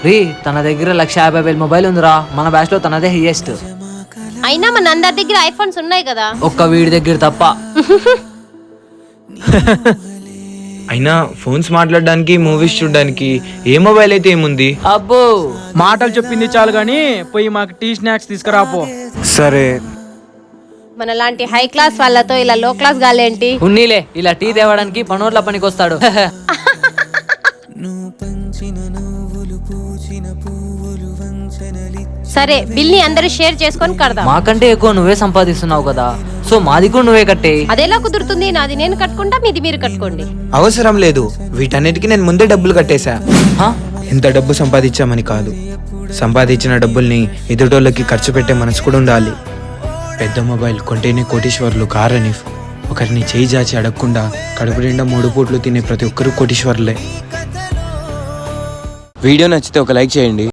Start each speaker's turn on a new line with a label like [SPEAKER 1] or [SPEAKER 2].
[SPEAKER 1] రీ తన దగ్గర 1,50,000 మొబైల్ ఉందిరా. మన బ్యాచ్ లో తనదే హైయెస్ట్.
[SPEAKER 2] అయినా మన అందరి దగ్గర ఐఫోన్స్ ఉన్నాయి కదా,
[SPEAKER 1] ఒక్క వీడి దగ్గర తప్ప.
[SPEAKER 3] అయినా ఫోన్స్ మాట్లాడడానికి మూవీస్ చూడడానికి ఏ మొబైల్ అయితే ఏముంది.
[SPEAKER 1] అబ్బో
[SPEAKER 4] మాటలు చెప్పింది చాలు గాని పోయి మాకు టీ స్నాక్స్ తీసుకురాపో.
[SPEAKER 3] సరే
[SPEAKER 2] మన లాంటి హై క్లాస్ వాళ్ళతో ఇలా లో క్లాస్ గాలేంటి.
[SPEAKER 1] ఉన్నీలే ఇలా టీ తేవడానికి పనోట్ల పనికి వస్తాడు.
[SPEAKER 2] సరే బిల్ ని అందరూ షేర్ చేసుకొని కడదాం.
[SPEAKER 1] మాకంటే ఎక్కువ నువ్వే సంపాదిస్తున్నావు కదా, సో మాది కూడా నువ్వే కట్టే.
[SPEAKER 2] అదేలా కుదురుతుంది? నాది నేను కట్టుకుంటా, మీది మీరు కట్టుకోండి.
[SPEAKER 3] అవసరం లేదు, వీటన్నిటికీ నేను ముందే డబ్బులు కట్టేశా. ఎంత డబ్బు సంపాదించామని కాదు, సంపాదించిన డబ్బుల్ని ఎదుటోళ్ళకి ఖర్చు పెట్టే మనసు కూడా ఉండాలి. పెద్ద మొబైల్ కొంటేనే కోటీశ్వర్లు కారని ఒకరిని చేయి జాచి అడగకుండా కడుపు నిండా 3 పూట్లు తినే ప్రతి ఒక్కరూ కోటీశ్వర్లే. వీడియో నచ్చితే ఒక లైక్ చేయండి.